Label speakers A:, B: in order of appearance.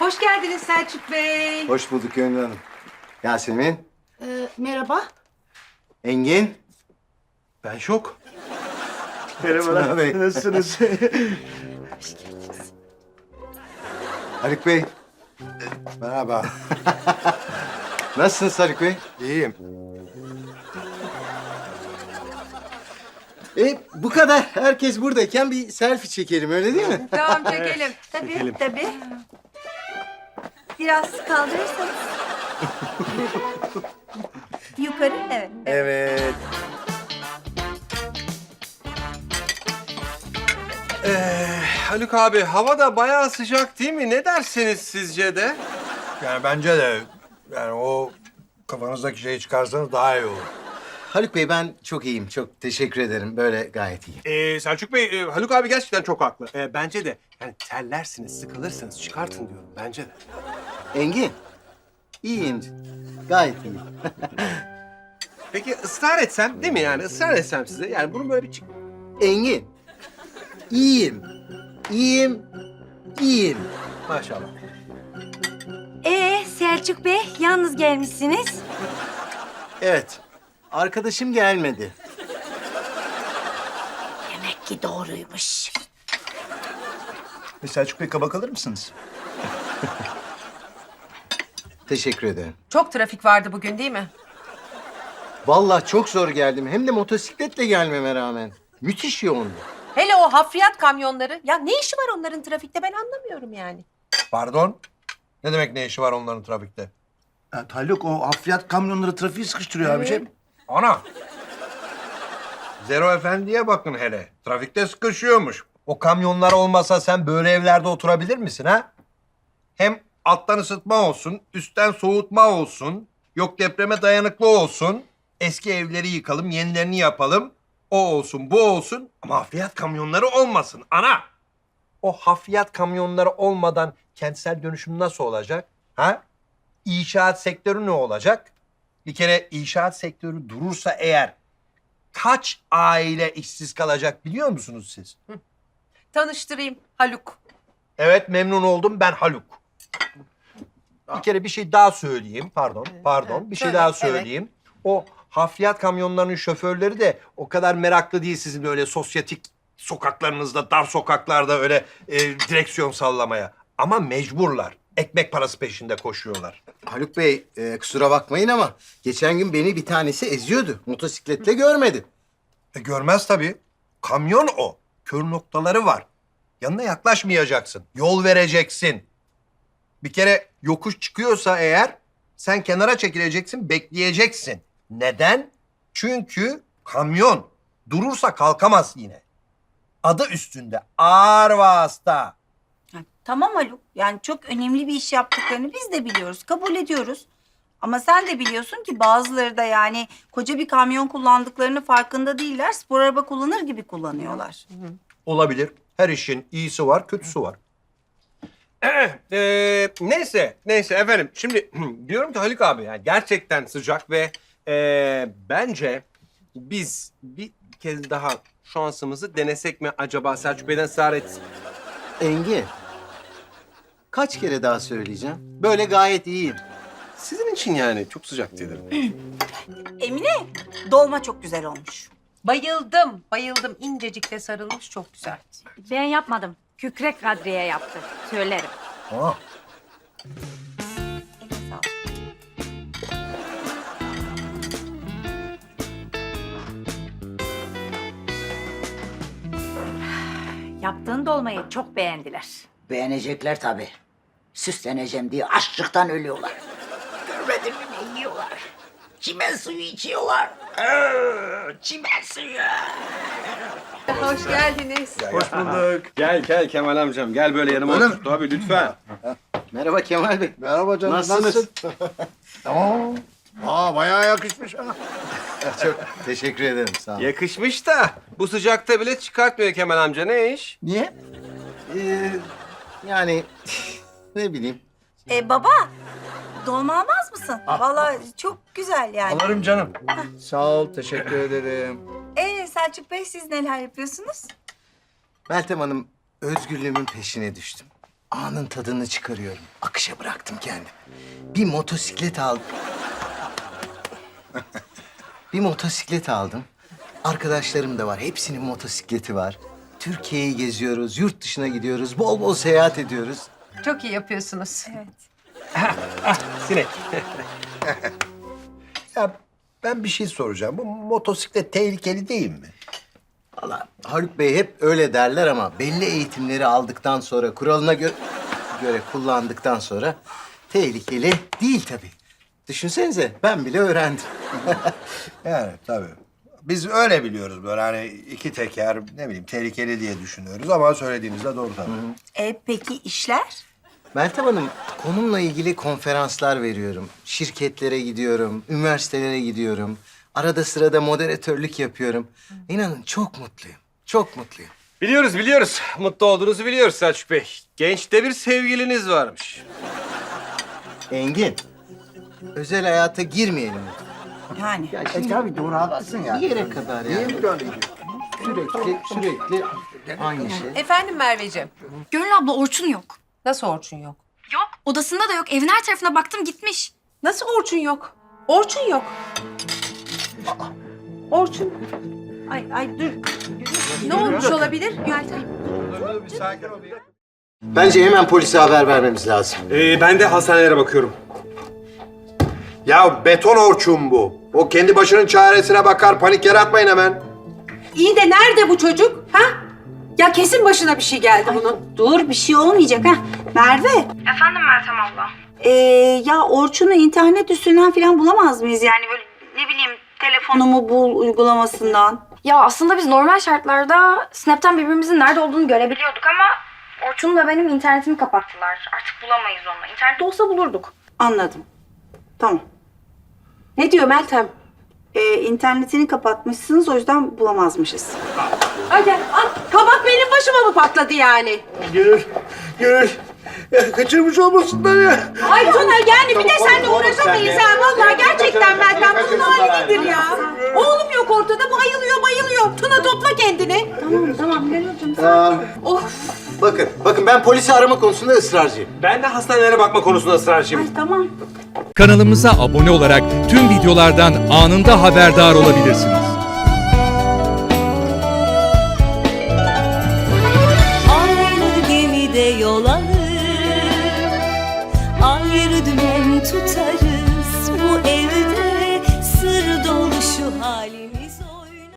A: Hoş geldiniz Selçuk Bey.
B: Hoş bulduk Gönül Hanım. Yasemin,
C: Merhaba.
B: Engin.
D: Ben şok.
B: Tuna Bey.
D: Nasılsınız?
B: Haluk Bey.
D: Merhaba.
B: Nasılsınız Haluk Bey?
D: İyiyim.
B: Bu kadar. Herkes buradayken bir selfie çekelim, öyle değil mi?
A: Tamam çekelim.
C: Tabii. Biraz kaldırırsanız. Yukarı, evet.
B: Evet.
D: Haluk abi hava da bayağı sıcak değil mi? Ne dersiniz sizce de?
E: Yani bence de yani o kafanızdaki şeyi çıkarsanız daha iyi olur.
B: Haluk Bey, ben çok iyiyim. Çok teşekkür ederim. Böyle gayet iyiyim.
D: Selçuk Bey, Haluk abi gerçekten çok haklı. Bence de yani terlersiniz, sıkılırsınız. Çıkartın diyorum bence de.
B: Engin. İyiyim. Gayet iyiyim.
D: Peki ısrar etsem değil mi yani? Israr etsem size. Yani bunu böyle bir çık...
B: Engin. İyiyim. İyiyim. İyiyim.
D: Maşallah.
C: Selçuk Bey, yalnız gelmişsiniz.
B: Evet. Arkadaşım gelmedi.
C: Demek ki doğruymuş.
E: Selçuk Bey, kabak alır mısınız?
B: Teşekkür ederim.
A: Çok trafik vardı bugün değil mi?
B: Vallahi çok zor geldim. Hem de motosikletle gelmeme rağmen. Müthiş yoğundu.
A: Hele o hafriyat kamyonları. Ya ne işi var onların trafikte ben anlamıyorum yani.
E: Pardon? Ne demek ne işi var onların trafikte?
F: Haluk, o hafriyat kamyonları trafiği sıkıştırıyor abiciğim.
E: Ana! Zero Efendi'ye bakın hele. Trafikte sıkışıyormuş. O kamyonlar olmasa sen böyle evlerde oturabilir misin ha? Hem alttan ısıtma olsun, üstten soğutma olsun, yok depreme dayanıklı olsun. Eski evleri yıkalım, yenilerini yapalım. O olsun, bu olsun ama hafriyat kamyonları olmasın ana. O hafriyat kamyonları olmadan kentsel dönüşüm nasıl olacak? Ha? İnşaat sektörü ne olacak? Bir kere inşaat sektörü durursa eğer kaç aile işsiz kalacak biliyor musunuz siz?
A: Tanıştırayım Haluk.
E: Evet, memnun oldum, ben Haluk. Bir kere bir şey daha söyleyeyim. Pardon. Bir şey
A: Söyle,
E: daha
A: evet.
E: söyleyeyim. O hafriyat kamyonlarının şoförleri de o kadar meraklı değil sizin öyle sosyetik sokaklarınızda, dar sokaklarda öyle direksiyon sallamaya. Ama mecburlar. Ekmek parası peşinde koşuyorlar.
B: Haluk Bey, kusura bakmayın ama geçen gün beni bir tanesi eziyordu. Motosikletle görmedi.
E: Görmez tabii. Kamyon o. Kör noktaları var. Yanına yaklaşmayacaksın. Yol vereceksin. Bir kere yokuş çıkıyorsa eğer sen kenara çekileceksin, bekleyeceksin. Neden? Çünkü kamyon durursa kalkamaz yine. Adı üstünde. Ağır vasıta.
C: Tamam Haluk, yani çok önemli bir iş yaptıklarını biz de biliyoruz, kabul ediyoruz. Ama sen de biliyorsun ki bazıları da yani koca bir kamyon kullandıklarını farkında değiller. Spor araba kullanır gibi kullanıyorlar.
E: Olabilir. Her işin iyisi var, kötüsü var.
D: Neyse efendim. Şimdi diyorum ki Haluk abi yani gerçekten sıcak ve bence biz bir kez daha şansımızı denesek mi acaba Selçuk Bey'den ısrar etsin.
B: Engin. Kaç kere daha söyleyeceğim? Böyle gayet iyiyim.
D: Sizin için yani çok sıcak dedim.
C: Emine, dolma çok güzel olmuş.
A: Bayıldım. İncecikte sarılmış çok güzel.
G: Ben yapmadım. Kükrek Kadriye yaptı. Söylerim.
E: Aa,
C: Eline sağlık.
G: Yaptığın dolmayı çok beğendiler.
H: Beğenecekler tabii. Süsleneceğim diye açlıktan ölüyorlar. Görmedin mi ne yiyorlar? Çimen suyu içiyorlar. Çimen suyu.
A: Hoş geldiniz.
D: Hoş bulduk. Gel Kemal amcam. Gel böyle yanıma
F: Öyle
D: otur. Tabii lütfen.
B: Merhaba Kemal Bey.
F: Merhaba canım,
B: Nasılsınız?
F: Tamam. Bayağı yakışmış ha.
B: Çok teşekkür ederim. Sağ olun.
D: Yakışmış da bu sıcakta bile çıkartmıyor Kemal amca. Ne iş?
F: Niye?
B: Yani ne bileyim.
C: Baba, dolma almaz mısın? Vallahi çok güzel yani.
F: Alırım canım. Sağ ol, teşekkür ederim.
C: Selçuk Bey, siz neler yapıyorsunuz?
B: Meltem Hanım, özgürlüğümün peşine düştüm. anın tadını çıkarıyorum. Akışa bıraktım kendimi. Bir motosiklet aldım. Bir motosiklet aldım. Arkadaşlarım da var. Hepsinin motosikleti var. Türkiye'yi geziyoruz, yurt dışına gidiyoruz, bol bol seyahat ediyoruz.
A: Çok iyi yapıyorsunuz.
D: Sinek.
E: Ya ben bir şey soracağım. Bu motosiklet tehlikeli değil mi?
B: Valla Haluk Bey hep öyle derler ama belli eğitimleri aldıktan sonra, kuralına göre kullandıktan sonra tehlikeli değil tabii. Düşünsenize ben bile öğrendim.
E: Yani tabii. Biz öyle biliyoruz böyle hani iki teker ne bileyim tehlikeli diye düşünüyoruz ama söylediğiniz de doğru tabii.
C: Peki işler?
B: Meltem Hanım, konumla ilgili konferanslar veriyorum. Şirketlere gidiyorum, üniversitelere gidiyorum. Arada sırada moderatörlük yapıyorum. İnanın çok mutluyum, çok mutluyum.
D: Biliyoruz. Mutlu olduğunuzu biliyoruz Selçuk Bey. Gençte bir sevgiliniz varmış.
B: Engin, özel hayata girmeyelim.
C: Yani.
F: Tabii doğru haklısın ya.
B: Bir yere kadar yani. Sürekli aynı şey.
A: Efendim Merveciğim.
I: Gönül abla Orçun yok.
A: Nasıl Orçun yok?
I: Yok. Odasında da yok. Evin her tarafına baktım gitmiş.
A: Nasıl Orçun yok? Orçun yok. Orçun. Ay dur. Ne olmuş olabilir? Meltem.
E: Bir sakin ol ya.
B: Bence hemen polise haber vermemiz lazım.
D: Ben de hastanelere bakıyorum.
E: Ya beton Orçun bu. O kendi başının çaresine bakar. Panik yaratmayın hemen.
A: İyi de nerede bu çocuk? Ha? Ya kesin başına bir şey geldi bunun.
C: Dur bir şey olmayacak ha. Merve.
I: Efendim Meltem abla.
C: Ya Orçun'u internet üstünden falan bulamaz mıyız? Yani böyle ne bileyim telefonumu bul uygulamasından.
I: Ya aslında biz normal şartlarda Snap'ten birbirimizin nerede olduğunu görebiliyorduk ama Orçun ve benim internetimi kapattılar. Artık bulamayız onu. İnternette olsa bulurduk.
C: Anladım. Tamam.
A: Ne diyor Meltem?
C: İnternetini kapatmışsınız o yüzden bulamazmışız.
A: Ay gel. Al. Kabak benim başıma mı patladı yani?
F: Gönül. Ya kaçırmış olmasınlar ya.
A: Ay Tuna yani bir de seninle uğraşamayız ha. Vallahi gerçekten Meltem bunun hali nedir ya? Oğlum yok ortada bayılıyor. Tuna topla kendini.
C: Tamam Gönülcüm.
A: Of.
B: Bakın ben polisi arama konusunda ısrarcıyım.
D: Ben de hastanelere bakma konusunda ısrarcıyım.
C: Ay tamam.
J: Kanalımıza abone olarak tüm videolardan anında haberdar olabilirsiniz.
K: Aynı gemide yol alır, ayrı dümen tutarız. Bu evde sır dolu şu halimiz.